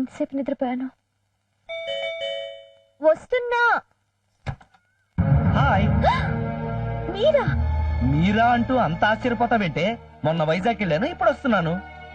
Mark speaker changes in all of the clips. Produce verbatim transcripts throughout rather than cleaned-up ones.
Speaker 1: ఎంతసేపు నిద్రపోయాను. వస్తున్నా.
Speaker 2: హాయ్.
Speaker 1: మీరా?
Speaker 2: మీరా అంటూ అంత ఆశ్చర్యపోతావేంటే? మొన్న వైజాగ్ వెళ్ళాను, ఇప్పుడు వస్తున్నాను.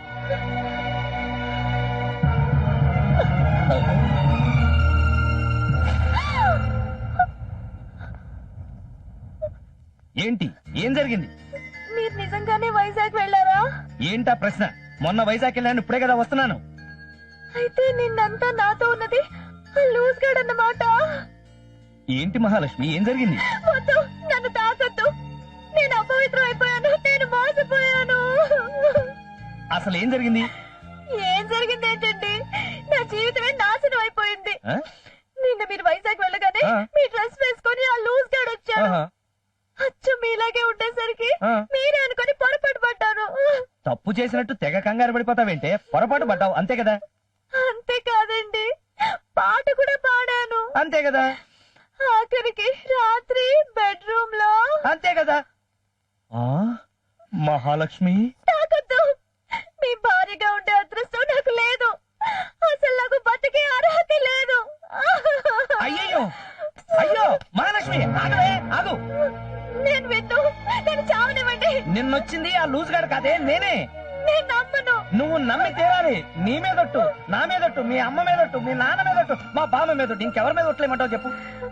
Speaker 2: ఏంటి, ఏం జరిగింది?
Speaker 1: మీరు నిజంగానే వైజాగ్ వెళ్ళారా?
Speaker 2: ఏంటా ప్రశ్న? మొన్న వైజాగ్ వెళ్ళాను, ఇప్పుడే కదా వస్తున్నాను.
Speaker 1: అయితే నిన్నంతా నాతో ఉన్నది లూజ్ గార్డ్ అన్నమాట.
Speaker 2: ఏంటి మహాలక్ష్మి, ఏం జరిగింది?
Speaker 1: వద్దు, నన్ను తాకద్దు. నేను అపవిత్రం అయిపోయాను. నేను మోసపోయాను.
Speaker 2: అసలు ఏం జరిగింది?
Speaker 1: ఏం జరిగింది ఏంటండి? నా జీవితమే నాశనం అయిపోయింది.
Speaker 2: ఆ?
Speaker 1: నిన్న మీరు వైజాగ్ వెళ్ళగానే
Speaker 2: ఆ.
Speaker 1: మీ డ్రెస్ వేసుకొని ఆ లూజ్ గార్డ్ వచ్చాడు.
Speaker 2: ఆహా.
Speaker 1: అచ్చు మీలాగే ఉండేసరికి
Speaker 2: ఆ.
Speaker 1: మీరే అనుకొని పొరపాటు పడ్డాను.
Speaker 2: తప్పు చేసినట్టు తెగ కంగారు పడిపోతావేంటే? పొరపాటు పడ్డావు, అంతే కదా?
Speaker 1: అంతే కాదండి, పాట కూడా పాడాను.
Speaker 2: అంతే కదా?
Speaker 1: ఆఖరికి రాత్రి బెడ్రూమ్ లో.
Speaker 2: అంతే కదా? ఆ మహాలక్ష్మి,
Speaker 1: తాకొద్దు. మీ భార్యగా ఉండే అదృష్టం నాకు లేదు. అసలు నాకు బతికే అర్హత లేదు.
Speaker 2: అయ్యయ్యో, అయ్యో మహాలక్ష్మి, ఆగవే, ఆగు.
Speaker 1: నేను విన్ను, నేను చావనివ్వండి.
Speaker 2: నిన్నొచ్చింది ఆ లూజ్ గాడు కాదే, నేనే.
Speaker 1: నేను నమ్మను.
Speaker 2: నువ్వు నమ్మి తీరాలి. నీ మీదొట్టు, నా మీదొట్టు, మీ అమ్మ మీదొట్టు, మీ నాన్న మీదొట్టు, మా బామ్మ మీదొట్టు, ఇంకెవరి మీద ఒట్లేమంటావు చెప్పు.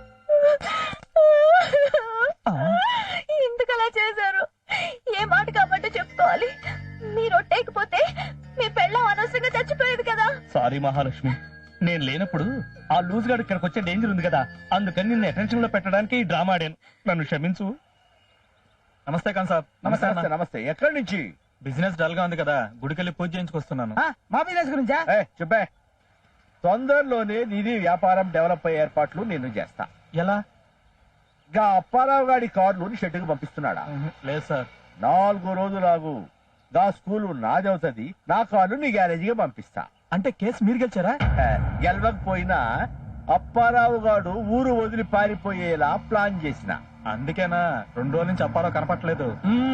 Speaker 2: ఆ.
Speaker 1: ఎందుకు అలా చేశారు? ఏ మాట కాబట్టి చెప్పుకోవాలి. మీరు ఒట్టేకపోతే మీ పెళ్ళం అనవసరంగా చచ్చిపోయేది కదా.
Speaker 2: సారీ మహాలక్ష్మి, నేను లేనప్పుడు ఆ లూజ్ గాడు ఇక్కడికి వచ్చే డేంజర్ ఉంది కదా, అందుకని నిన్ను అటెన్షన్ లో పెట్టడానికి ఈ డ్రామా ఆడాను. నన్ను క్షమించు. నమస్తే ఖాన్ సాబ్.
Speaker 3: నమస్తే నమస్తే నమస్తే. ఎక్కడి నుంచి?
Speaker 2: బిజినెస్ డల్ గా ఉంది కదా, గుడికెళ్ళి పూజ చేయించుకొస్తున్నాను.
Speaker 3: మా బిజినెస్ గురించా? చెప్పే. తొందరలోనే నీది వ్యాపారం డెవలప్ అయ్యే ఏర్పాట్లు నేను చేస్తా.
Speaker 2: ఎలా?
Speaker 3: గా అప్పారావు గాడి కార్లు షెడ్డుకు పంపిస్తున్నాడా?
Speaker 2: లేదు సార్.
Speaker 3: నాలుగు రోజులాగు. గా స్కూలు నాదవుతుంది, నా కార్లు నీ గ్యారేజీగా పంపిస్తా.
Speaker 2: అంటే కేసు మీరు గెలిచారా?
Speaker 3: హే, గెలవకపోయినా అప్పారావు గాడు ఊరు వదిలి పారిపోయేలా ప్లాన్ చేసిన.
Speaker 2: అందుకేనా రెండు రోజుల నుంచి అప్పారావు కనపట్లేదు.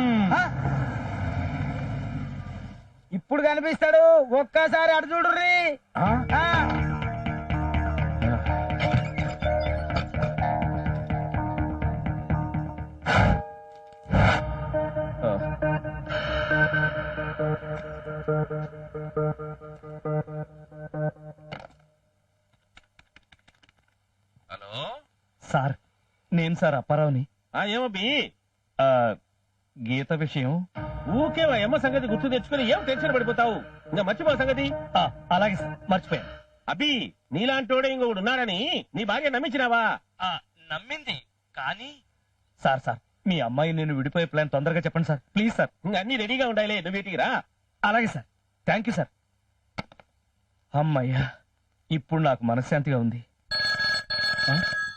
Speaker 4: ఇప్పుడు కనిపిస్తాడు, ఒక్కసారి అటు చూడుర్రి.
Speaker 3: హలో
Speaker 2: సార్, నేను సార్ అప్పారావుని.
Speaker 3: ఏమబ్బి?
Speaker 2: ఆ, గీత విషయం.
Speaker 3: ఊకే ఎమ్మ సంగతి గుర్తు తెచ్చుకుని ఏం టెన్షన్ పడిపోతావు? ఇంకా మర్చిపో సంగతి.
Speaker 2: ఆ, అలాగే సార్, మర్చిపోయాను.
Speaker 3: అబ్బి, నీలాంటోడే ఇంకొకడు ఉన్నాడని నీ భార్య నమ్మించినావా?
Speaker 2: ఆ, నమ్మింది కానీ. సార్ సార్, మీ అమ్మాయి నేను విడిపోయే ప్లాన్ తొందరగా చెప్పండి సార్, ప్లీజ్ సార్.
Speaker 3: ఇంకా అన్ని రెడీగా ఉండాలి, నువ్వు వీటికి రా.
Speaker 2: అలాగే సార్, థ్యాంక్ యూ సార్. అమ్మయ్యా, ఇప్పుడు నాకు మనశ్శాంతిగా ఉంది. ఆ?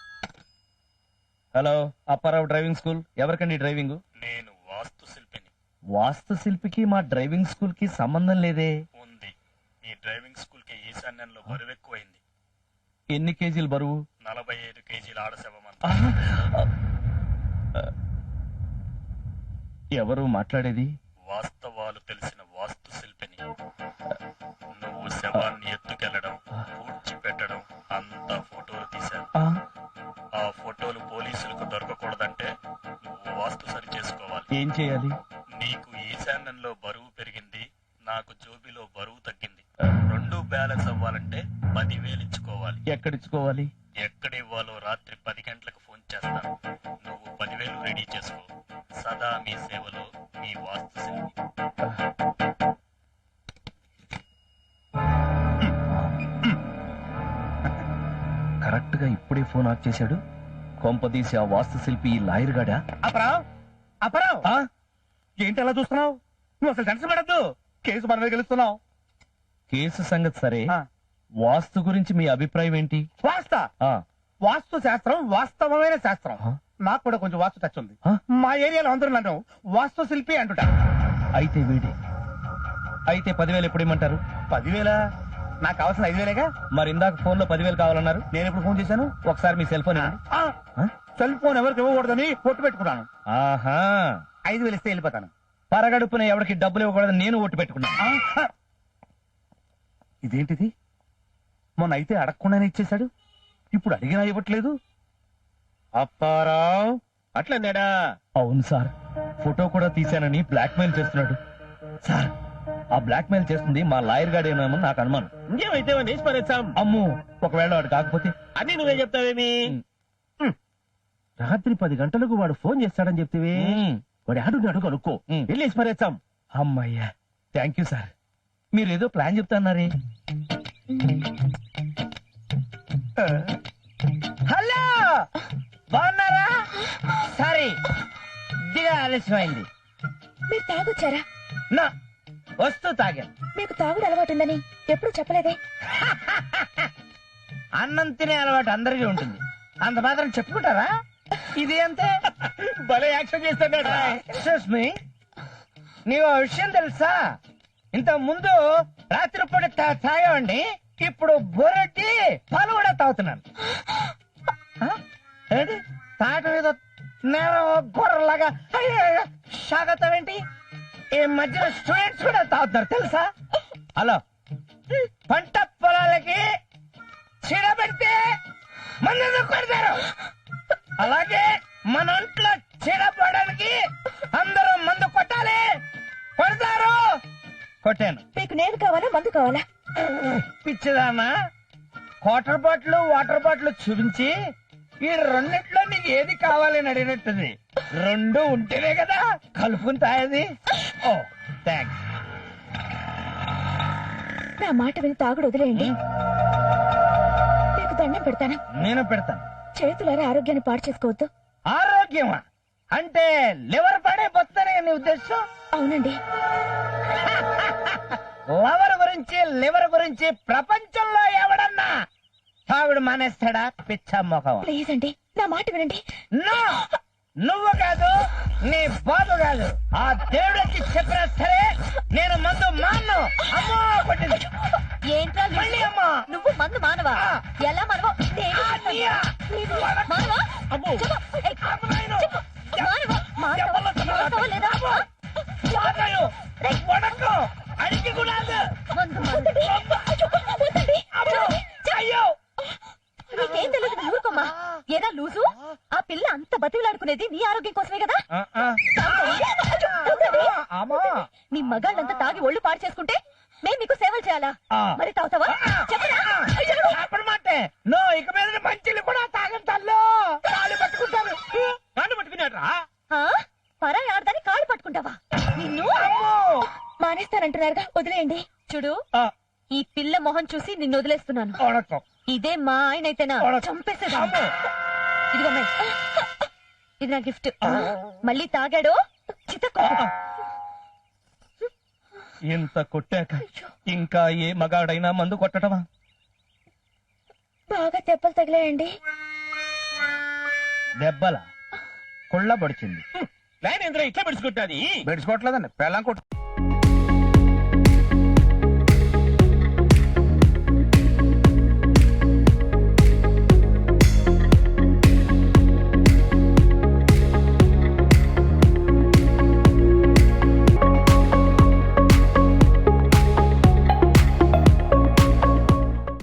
Speaker 2: Hello, Apparao driving school. ఎవరికండి డ్రైవింగ్?
Speaker 5: నేను వాస్తు శిల్పిని.
Speaker 2: వాస్తు శిల్పికి మా డ్రైవింగ్ స్కూల్ కి సంబంధం లేదే.
Speaker 5: ఉంది. మీ డ్రైవింగ్ స్కూల్ కి ఈశాన్యంలో బరువు ఎక్కువైంది.
Speaker 2: ఎన్ని కేజీలు బరువు?
Speaker 5: నలభై ఐదు కేజీల ఆడశవమంత.
Speaker 2: ఎవరు మాట్లాడేది?
Speaker 5: వాస్తవాలు తెలిసిన వాస్తు శిల్పిని. నువ్వు శవాన్ని ఎత్తుకెళ్లడం, పూడ్చిపెట్టడం అంతా ఫోటోలు తీశాను.
Speaker 2: ఆ,
Speaker 5: ఆ ఫోటోలు పోలీసులకు దొరకకూడదంటే నువ్వు వాస్తు సరి చేసుకోవాలి.
Speaker 2: ఏం చేయాలి?
Speaker 5: నీకు ఈశాన్యంలో బరువు పెరిగింది, నాకు జోబిలో బరువు తగ్గింది. రెండు బ్యాలెన్స్ అవ్వాలంటే పదివేలు ఇచ్చుకోవాలి.
Speaker 2: ఎక్కడిచ్చుకోవాలి?
Speaker 5: ఎక్కడివ్వాలో రాత్రి పది గంటలకు ఫోన్ చేస్తాను. నువ్వు పదివేలు రెడీ చేసుకో. సదా మీ సేవలో మీ వాస్తు శిల్పి.
Speaker 2: కరెక్ట్ గా ఇప్పుడే ఫోన్ ఆఫ్ చేశాడు. కొంపదీసి ఆ వాస్తు శిల్పి ఈ లాయర్ గాడా?
Speaker 3: అపరావ్, అపరావ్,
Speaker 2: ఆ?
Speaker 3: ఏంటి అలా చూస్తున్నావు? నువ్వు అసలు టెన్షన్ పడద్దు, కేసు మన మీద గెలుస్తున్నావు.
Speaker 2: కేసు సంగతి సరే,
Speaker 3: ఆ.
Speaker 2: వాస్తు గురించి మీ అభిప్రాయం ఏంటి?
Speaker 3: వాస్త
Speaker 2: ఆ,
Speaker 3: వాస్తు శాస్త్రం వాస్తవమైన శాస్త్రం.
Speaker 2: ఆ?
Speaker 3: నాకు కూడా కొంచెం వాస్తు టచ్ ఉంది.
Speaker 2: ఆ?
Speaker 3: మా ఏరియాలో అందరూ నన్ను వాస్తు శిల్పి అంటుట.
Speaker 2: అయితే వీడి అయితే పదివేలు ఎప్పుడు ఇమ్మంటారు?
Speaker 3: పదివేల? నాకు కావాల్సిన ఐదు వేలేగా.
Speaker 2: మరి ఇందాక ఫోన్ లో పదివేలు కావాలన్నారు.
Speaker 3: నేను ఎప్పుడు ఫోన్ చేశాను?
Speaker 2: ఒకసారి మీ సెల్ ఫోన్ ఇవ్వండి.
Speaker 3: ఆ,
Speaker 2: ఆ?
Speaker 3: సెల్ ఫోన్ ఎవరికి ఇవ్వకూడదని పొట్టు పెట్టుకున్నాను.
Speaker 2: ఆహా,
Speaker 3: ఐదు వేలు ఇస్తే వెళ్ళిపోతాను.
Speaker 2: పరగడుపున ఎవరికి డబ్బులు ఇవ్వకూడదని నేను ఓటు పెట్టుకున్నాను.
Speaker 3: ఆ, ఇదేంటిది?
Speaker 2: మొన్న అయితే అడగకుండానే ఇచ్చేశాడు, ఇప్పుడు అడిగినా ఇవ్వట్లేదు.
Speaker 3: అప్పారావు అట్లన్నాడా?
Speaker 2: అవును సార్, ఫోటో కూడా తీశానని బ్లాక్ మెయిల్ చేస్తున్నాడు. సార్, ఆ బ్లాక్ మెయిల్ చేస్తుంది మా లాయర్ గాడేనేమో నాకు అనుమానం.
Speaker 3: ఇంకేమైతే వేసి పరేస్తాం.
Speaker 2: అమ్ము, ఒకవేళ వాడు కాకపోతే?
Speaker 3: అన్ని నువ్వే చెప్తావేమి?
Speaker 2: రాత్రి పది గంటలకు వాడు ఫోన్ చేస్తాడని చెప్తివి. వాడు ఆడున్నాడు కనుక్కో, వెళ్ళేసి పరేస్తాం. అమ్మయ్యా, థ్యాంక్ యూ సార్. మీరేదో ప్లాన్ చెప్తాన్నారే.
Speaker 4: హలో, బాగున్నారా? సారీ, దిగా ఆలస్యమైంది.
Speaker 1: మీరు తాగొచ్చారా?
Speaker 4: నా వస్తూ తాగాను.
Speaker 1: మీకు తాగుడు అలవాటుందని ఎప్పుడు చెప్పలేదే.
Speaker 4: అన్నం తినే అలవాటు అందరికీ ఉంటుంది, అంత మాత్రం చెప్పుకుంటారా? ఇది అంతే.
Speaker 3: భలే యాక్షన్ చేస్తాడా?
Speaker 4: ఎక్స్క్యూజ్ మీ, నీకు ఓ విషయం తెలుసా? ఇంత ముందు రాత్రిపూట తా- తాగేవాడిని, ఇప్పుడు బొరటి పాలు కూడా తాగుతున్నాను. ఆ? ఏంటి తాట మీద నేను గొర్రెలాగా సాగతావేంటి? ఈ మధ్యన స్టూడెంట్స్ కూడా తాగుతున్నారు తెలుసా? హలో, పంట పొలాలకి చీడ పెడితే మందు కొడతారు, అలాగే మన ఒంట్లో చీడ పడడానికి అందరూ మందు కొట్టాలి, కొడతారు. కొట్టాను.
Speaker 1: మీకు నేను కావాలా, మందు కావాలా?
Speaker 4: పిచ్చిదానా, వాటర్ బాటిల్ వాటర్ బాటిల్ చూపించి ఈ రెండిట్లో నీకు ఏది కావాలని అడిగినట్టుంది. రెండు ఉంటేనే కదా కలుపుకుని తాగేది. Oh thanks.
Speaker 1: నా మాట విని తాగుడు వదిలేయండి. మీకు దండం పెడతాను.
Speaker 4: నేను పెడతాను.
Speaker 1: చేతులారా ఆరోగ్యాన్ని పాడు చేసుకోవద్దు.
Speaker 4: ఆరోగ్యమా అంటే లివర్ పడే బొత్తనే నీ ఉద్దేశం?
Speaker 1: అవునండి.
Speaker 4: లవర్ గురించి లివర్ గురించి ప్రపంచంలో ఎవడన్నా తాగుడు మానేస్తాడా? పిచ్చ మొఖం.
Speaker 1: ప్లీజ్ అండి, నా మాట వినండి.
Speaker 4: నో, నువ్వు కాదు, నీ బాబు కాదు, ఆ దేవుడికి చెప్పినా సరే నేను మందు మాను. అమ్మో కొట్టింది.
Speaker 1: ఏంట్రా
Speaker 4: మళ్ళీ అమ్మా.
Speaker 1: నువ్వు మందు మానవా?
Speaker 4: ఆ.
Speaker 1: ఎలా మానవా? నేను
Speaker 4: ఆ,
Speaker 1: చెప్తాను.
Speaker 4: నీయా?
Speaker 1: నీవు
Speaker 4: వడకు.
Speaker 1: మానవా?
Speaker 4: అమ్మో.
Speaker 1: చెప్పు. ఏయ్,
Speaker 4: అమ్మ నాయనో.
Speaker 1: చెప్పు. మానవా? మానవా?
Speaker 4: చెప్పలు చెప్పలు.
Speaker 1: మానవా లేదా? ఆ?
Speaker 4: వాదయు. వడకు. అడిగి కూడా
Speaker 1: మందు మానండి. వద్దండి.
Speaker 4: అమ్మో. అయ్యో.
Speaker 1: నీకేం తెలియదు, నువ్వు ఊరుకోమ్మా. ఏదా లూజు? ఆ పిల్ల అంత బతిలాడుకునేది నీ ఆరోగ్యం కోసమే కదా.
Speaker 4: ఆ, ఆ.
Speaker 1: వద్దండి.
Speaker 4: అమ్మా.
Speaker 1: నీ మగాళ్ళంతా తాగి ఒళ్ళు పాడు చేసుకుంటే మేము నీకు సేవలు చేయాలా?
Speaker 4: ఆ.
Speaker 1: మరి తాగుతావా? చెప్పరా? చెప్పు.
Speaker 4: అప్పుడు మాటే నో, ఇక మీద మంచిలు కూడా తాగం తల్లు. కాళ్ళు పట్టుకుంటాను.
Speaker 3: కాళ్ళు పట్టుకున్నాడ్రా?
Speaker 1: ఆ? పరాయి ఆడదాన్ని కాళ్ళు పట్టుకుంటావా? నిన్ను
Speaker 4: అమ్మో.
Speaker 1: మానేస్తానంటున్నారుగా, వదిలేయండి. చూడు,
Speaker 4: ఆ,
Speaker 1: ఈ పిల్ల మొహం చూసి నిన్ను వదిలేస్తున్నాను.
Speaker 4: వడకు.
Speaker 1: ఇదే మా ఆయన అయితేనా
Speaker 4: వడకు.
Speaker 1: చంపేసేదా.
Speaker 4: అమ్మో.
Speaker 1: ఇదిగో అమ్మాయి, ఇది నా గిఫ్ట్. మళ్ళీ తాగాడో చితకో.
Speaker 2: ఇంత కొట్టాక ఇంకా ఏ మగాడైనా మందు కొట్టడమా?
Speaker 1: బాగా దెబ్బలు తగిలాయండి.
Speaker 4: దెబ్బల కుళ్ళ పడిచింది.
Speaker 3: లైన్ ఎందులో ఇట్లా పెడుచుకుంటాది?
Speaker 4: బెడ్చుకోవట్లేదండి, పెళ్ళం కొట్టు.